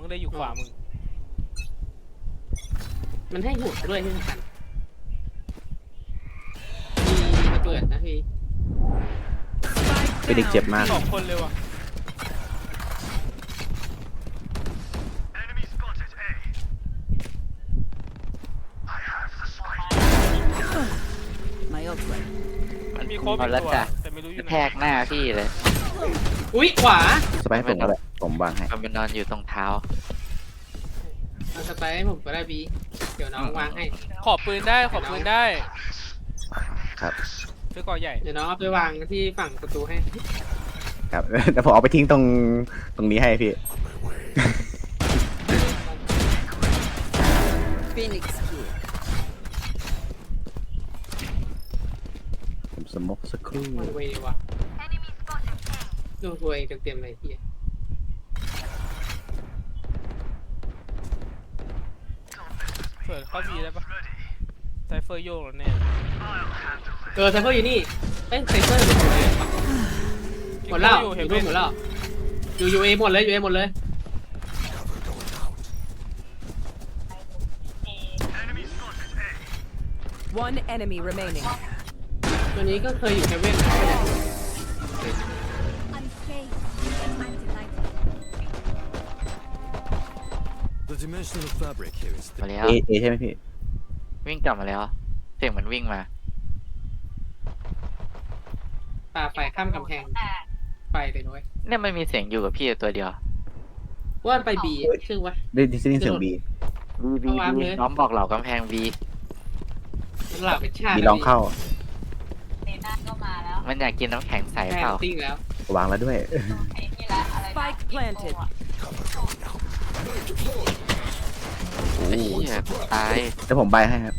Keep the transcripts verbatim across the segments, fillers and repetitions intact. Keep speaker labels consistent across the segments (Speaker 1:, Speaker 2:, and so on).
Speaker 1: งได้อยู่ขวามึง
Speaker 2: มันให้หัวด้วยที่สำคัญมีระเบิดนะพี่
Speaker 3: เป็นเด็กเจ็บมาก
Speaker 1: สองคนเลยว่ะ
Speaker 4: My ult ready.
Speaker 1: มันมีโค้ดอีกตัวแต่ไม่รู้อยู่ไหน
Speaker 5: แทกหน้าพี่เลย
Speaker 2: อุ้ยขวา
Speaker 3: สไปร์ผมก็ได้ผมวางให้
Speaker 5: มันเป็นนอนอยู่ตรงเท้า
Speaker 2: เอาสไปร์ให้ผมก็ได้บีเดี๋ยวน้องวางให้
Speaker 1: ขอบปืนได้ขอบปืนได้
Speaker 3: ครับ
Speaker 1: ซื้อก่อใหญ่
Speaker 2: เดี๋ยวน้องเอาไปวางที่ฝั่งประตูให้
Speaker 3: ครับ แต่ผมเอาไปทิ้งตรงตรงนี้ให้พี่
Speaker 4: Phoenix here.
Speaker 3: ผมสมกสักครู่
Speaker 2: มันเววะดูตัวเองเต็มๆเลยพี่
Speaker 1: เปิดเข้าบีได้ปะไซเฟอร์โยกแล้วแน่
Speaker 2: เออไซเฟอร์อยู่นี่เอ้ยไซเฟอร์อยู่ไหนวะหมดแล้ว
Speaker 1: อยู่
Speaker 2: อ
Speaker 1: เห็น
Speaker 2: ยู่
Speaker 1: ไหม
Speaker 2: นู่นหมดแล้วอยู่ยูเอหมดเลยยูเอหมดเลย
Speaker 4: One enemy remaining.
Speaker 2: ตัวนี้ก็เคยอยู่เฮเว่นนะ
Speaker 6: The dimensional fabric here is
Speaker 5: มา
Speaker 6: thick.
Speaker 5: แล้ว
Speaker 3: เอเอใช่ไหมพี่
Speaker 5: วิ่งกลับมาแล้วเสียงเหมือนวิ่งมา
Speaker 2: ป่าไฟข้ามกำแพงไปเลยน้อย
Speaker 5: เนี่ยมันมีเสียงอยู่กับพี่ตัวเดียว
Speaker 2: ว่านไปบีชื่อวะ
Speaker 3: ได้ดิสนีย์เสียงบี
Speaker 5: บีบี
Speaker 2: เอาวาง
Speaker 5: บี
Speaker 2: เลย
Speaker 5: น้องบอกเหล่ากำแพงบี
Speaker 2: หลับเป็นชาติ
Speaker 3: มีลองเข้า
Speaker 5: มันอยากกินน้ำแข็งใส
Speaker 2: แพ
Speaker 5: เป
Speaker 2: ง
Speaker 5: ล่า
Speaker 2: ติ้งแล้ว
Speaker 3: วางแล้วด้วย
Speaker 4: Spike planted.
Speaker 3: โอ้
Speaker 5: ไอ้เหี้ยตาย
Speaker 3: แต่ผมใบให้ครับ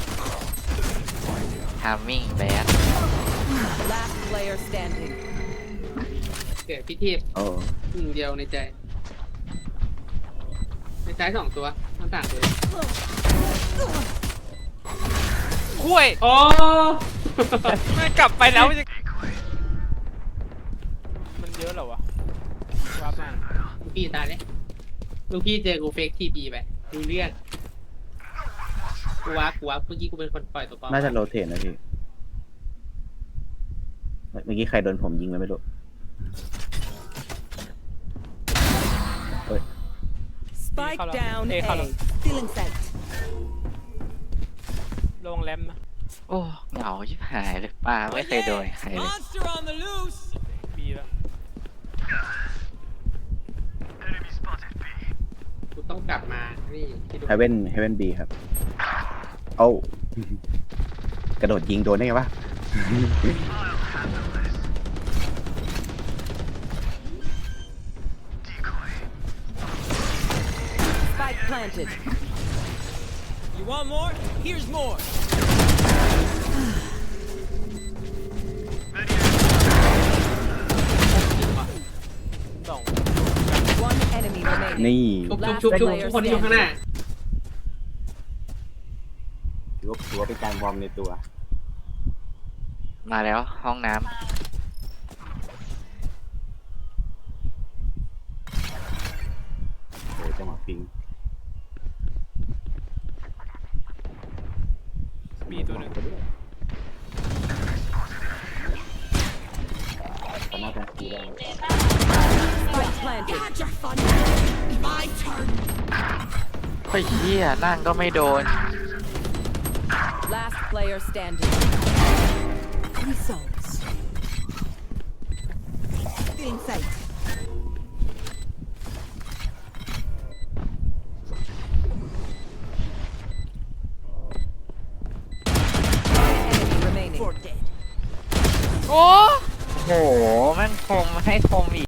Speaker 5: ทามมิ่งแบด
Speaker 4: Last player standing.
Speaker 2: เกิดพิธี
Speaker 3: โอ้
Speaker 2: หนึ่งเดียวในใจ ในใจสองตัวทั้งสามตัว
Speaker 1: คุ้ย
Speaker 2: โอ้
Speaker 1: ไม่กลับไปแล้วมันจะมันเยอะเหรอวะว้ามา
Speaker 2: ลูกพี่ตายเลยลูกพี่เจอกูเฟกทีบีไปดูเรื่องกูวักกูวักเมื่อกี้กูเป็นคนปล่อยตัวปลอม
Speaker 3: น่าจะโรเทนนะพี่ เมื่อกี้ใครโดนผมยิงไปไม่รู้
Speaker 4: Spike down
Speaker 1: Hey,
Speaker 4: A.
Speaker 1: hello.
Speaker 4: Feeling sight.
Speaker 1: ระวังแรมนะ
Speaker 5: โอ้เหงาชิบหายเลยป้าไม่เคยโดนใครเลย
Speaker 1: บีแล้ว
Speaker 2: กูต้องกลับมานี่ที่ดู
Speaker 3: เฮเว่นเฮเว่นบีครับ เอ้า กระโดดยิงโดนได้ไงวะ
Speaker 4: Spike planted.
Speaker 7: You want more? Here's more.
Speaker 1: สอง
Speaker 4: One enemy remaining.
Speaker 3: นี่
Speaker 2: ชุบชุบชุบชุบทุกคนที่อยู่ข้างหน้า
Speaker 3: ถือว่าถือว่าเป็นการวอร์มในตัว
Speaker 5: มาแล้วห้องน้
Speaker 3: โอ้จังหวะปิง
Speaker 1: บีตัวหนึ่ง
Speaker 3: ตอนหน้าเป็นสีแดง
Speaker 4: Spike planted.
Speaker 5: ำไอ้เหี้ยนั่งก็ไม่โดน
Speaker 4: Last player standing. Results. Feeling sight. Enemy remaining.
Speaker 1: โอ้
Speaker 5: โหแม่งคมให้คมอีก